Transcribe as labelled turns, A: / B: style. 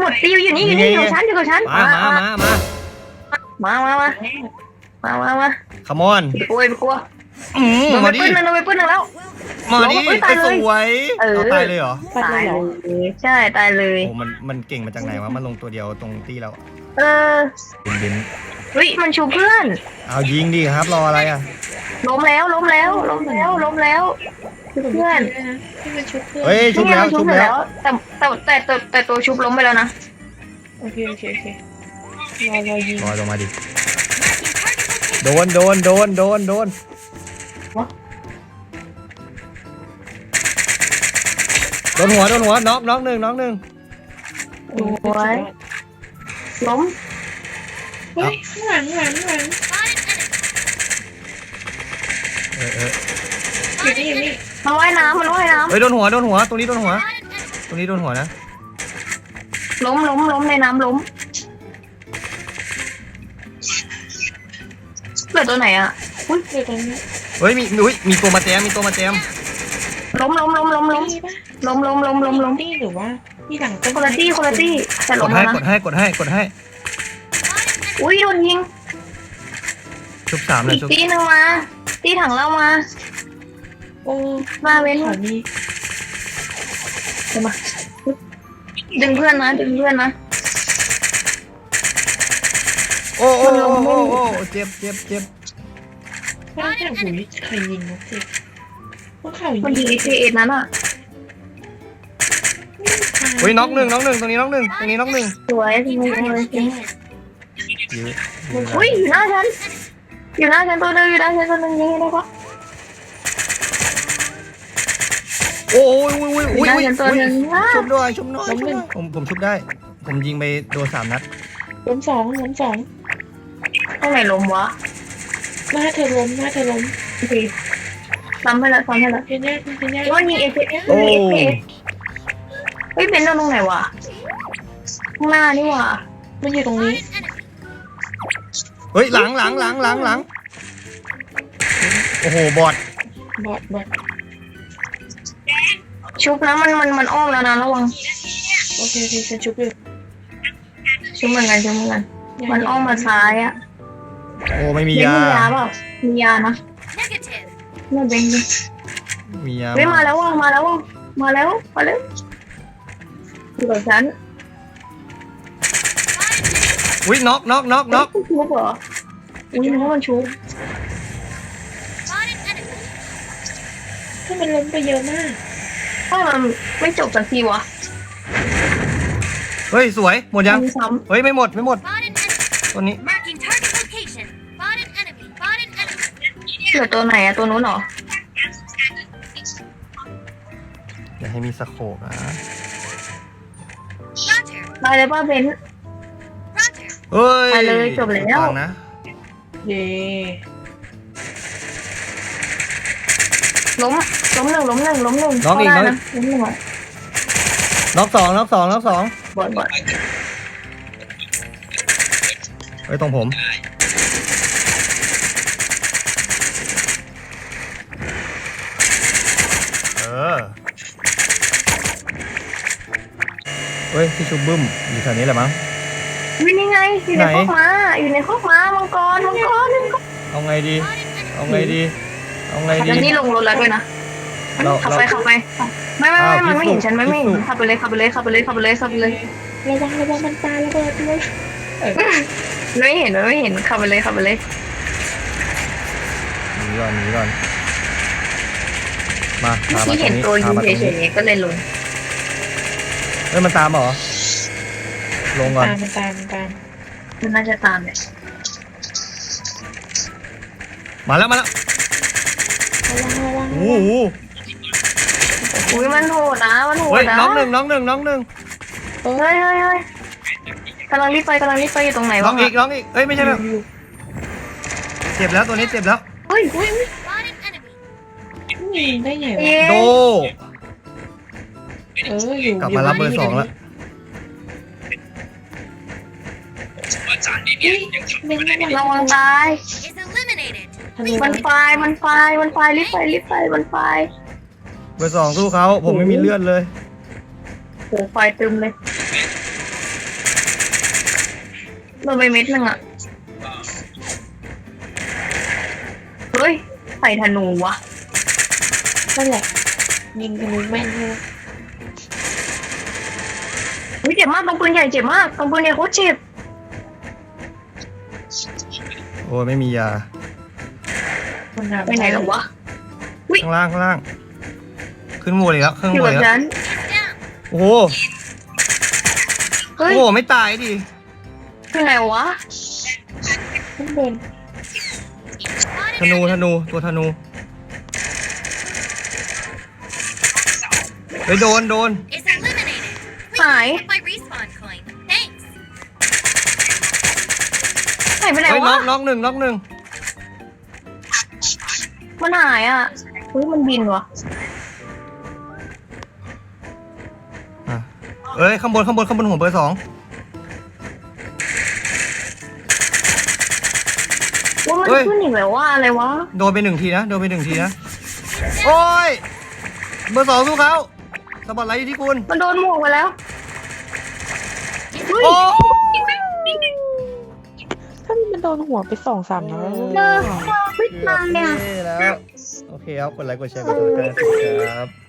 A: ตีอยู่นี่อยู่นี่อยู่ชั้นมา
B: ขมอน
A: กลัวกลัว
B: มาดิ
A: โดนไปปื้นหนึ่งแล้ว
B: มาดิสวยเอาตายเลยเหรอ
A: ตายเลยใช่ตายเลย
B: โอ้มันเก่งมาจากไหนวะมันลงตัวเดียวตรงตีเราเบน
A: เฮ้ยมันชูเพื่อน
B: เอายิงดิครับรออะไรอ่ะ
A: ล้มแล้วเพื่อน
C: ที่มันชุบเพื่อน
B: เฮ้ยชุบแล้ว
A: แต่ตัวชุบล้มไปแล้วนะ
C: โอเครอยิง
B: รอลงมาดิโดนหัวน็อกหนึ่ง
A: โอ้ยล้ม
C: เฮ้ยข้างหลัง
B: อยู่
C: นี่
A: มันว่ายน้ำ
B: เฮ้ยโดนหัวตรงนี้โดนหัวนะ
A: ล้มในน้ำล้มเหลือตัวไหนอ่ะ
C: อุ้ยเดี๋ยวตรงนี้
B: เฮ้ยมีตัวมาแจม
A: ล้ม
C: นี่ปะ
A: ตี้ห
C: รือว่าที่หลังต้น
A: คนละตี้แต่
B: ก
A: ล้
B: ด
A: ม
B: ให้
A: แล้ว
B: ก
A: นะ
B: ดให้
A: อุ้ยโดนยิง
B: ชุบ3เลย
A: อีกตีหนึ่งมาตีถังเหล้ามา
C: โอ้
A: มาเว้น
C: ขอนี้
A: มาดึงเพื่อนนะ
B: โอ้เจ็บ
C: ว่าแต่หูยใครยิงนะเจ๊พวกเขายิง
A: มันยิงไอพีเอ็ดนั้นอ่ะ
B: เฮ้ยน็อกหนึ่งตรงนี้น็อกหนึ่ง
A: สวยจริงเลย
B: ยื้อ
A: อุ้ยอยู่หน้าฉันตัวนึงยิงได้ปะ
B: โอ้ย
A: อยู่หน้าฉันตัวนึง
B: ชุบด้วยผมชุบได้ผมยิงไปโดน3 นัด
C: ล้มสอง
A: ข้างไหนล้มวะ
C: หน้าเธอล้ม
A: โอเคซ้ำให้แล้ว
C: เพียงแย่
A: ว่ามีเอฟเอเฮ้ยเป็นตรงไหนวะข้างหน้านี่วะ
C: มันอยู่ตรงนี้
B: เฮ้ยหลังโอ้โหบอด
C: บอด
A: ชุบนะมันอ้อมแล้วนะระวัง
C: โอเคฉันชุบอยู่
A: ชุบเหมือนกันมันอ้อมมาซ้ายอ่ะ
B: โอ้ไม่มี
A: มี
B: ยาย
A: าเปล่ามียานะไม่เป็น
B: มียา
A: เฮ้ยมาแล้วอยู่กับฉัน
B: อุ้ยน็อก
A: ชุบเหรออุ้ยนึกว่ามันชุบ
C: ถ้ามันล้มไปเยอะมาก
A: ถ้ามันไม่จบสักทีวะ
B: เฮ้ยสวยหมดยัง
A: มีซ้
B: เฮ้ยไม่หมดตัวนี้
A: ำเหลือตัวไหนอะตัวนู้นเหรอ
B: อย่าให้มีสโคปนะ
A: ตายเลยป้าเบน
B: เฮ้ย
A: ไปเลยจบแล้ว
B: ฟังนะ
C: เย่
A: ล้มหนึ่ง
B: น้องอีก
A: ล้มหนึ่งอะ
B: น็อกสอง
A: บอด
B: เฮ้ยตรงผมเฮ้ยที่ชุบบึ้มอยู่แถวนี้แหละมั้ง
A: วินี่ไงอยู่ในคอกม้ามังกร
B: เอาไงดี
A: แล้วนี่ลงรถแล้วด้วยนะขับไปไม่มันไม่เห็นฉันไม่เห็นขับไปเลย
C: ระวังมันปาระเบิดด้วย
A: ไม่เห็นขับไปเลย
B: หนีก่อนมาตามมา
A: ที่
B: ตร
A: เห็
B: ง
A: น
B: นี้
A: ตัวยิงเฉยๆก็เลยลง
B: เฮ้ยมันตามเหรอลงก่อน
C: มันตาม
A: มันน่าจะตามเนี่ย
B: มาแล้ว
C: ระวัง
B: โอ้โห
A: อุ้ยมันโหดนะ
B: เฮ้ยน้องหนึ่ง
A: เฮ้ยกำลังรีบไปอยู่ตรงไหน
B: น้
A: วะ
B: องอีกเอ้ยไม่ใช่แบบเจ็บแล้วตัวนี้เจ็บแล้ว
A: เฮ้ย
C: ยิงได้ไงวะ
B: โด
C: อยู่
B: กลับมารับเบอร์ 2แล้ว
A: ระวังตาย มันไฟรีบไปมันไฟ
B: เบอร์ 2สู้เขาผมไม่มีเลือดเลย
A: โหไฟตึมเลยโดนไปเม็ดหนึ่งอ่ะเฮ้ยใส่ธนูวะ
C: นั่นแหละยิงธนูแม่นใช่ไหม
A: เฮ้ยเจ็บมากตรงปืนใหญ่เจ็บมากตรงปืนใหญ่โคตรเจ็บ
B: โอ้ยไม่มียา
C: มันหา
A: ไปไหนหรอวะ
B: ข้างล่างข้างล่าง ขึ้นหมดเลยแล้วขึ้น
A: อ
B: ห
A: ยู่
B: มด
A: แบ
B: เลย
A: บ
B: แล้ว
A: นั้น
B: โอ้โห
A: เฮ้ย
B: โอ้โหไม่ตายดิ
A: คือไหนวะ
C: ข้างบน
B: ธนูตัวธนูเฮ้ยโดน
D: Is eliminated.
A: Hi.
D: Please get my respawn coin. Thanks.
A: หายไปไหน
B: เฮ้ยน็
A: วะ
B: อกน็อกหนึ่ง
A: มันหายอ่ะเฮ้ยมันบินวะ
B: อ่ะเอ้ยข้างบนหัวเบอร์2
A: ว่ามัน
B: เฮ้ย
A: ขึ้นอีกแล้วว่าอะไรวะ
B: โดนไปหนึ่งทีนะโอ้ยเบอร์2สู้เขาสปอตไลท์อยู่ที่คุณ
A: มันโดนหมวกไปแล้วเฮ้ย
B: โอ้
C: ถ้ามันโดนหัวไป2-3 นัด
A: เจอไม่ตายอ่ะ
B: แล้วโอเคครับกดไลค์กดแชร์กดติดตามครับ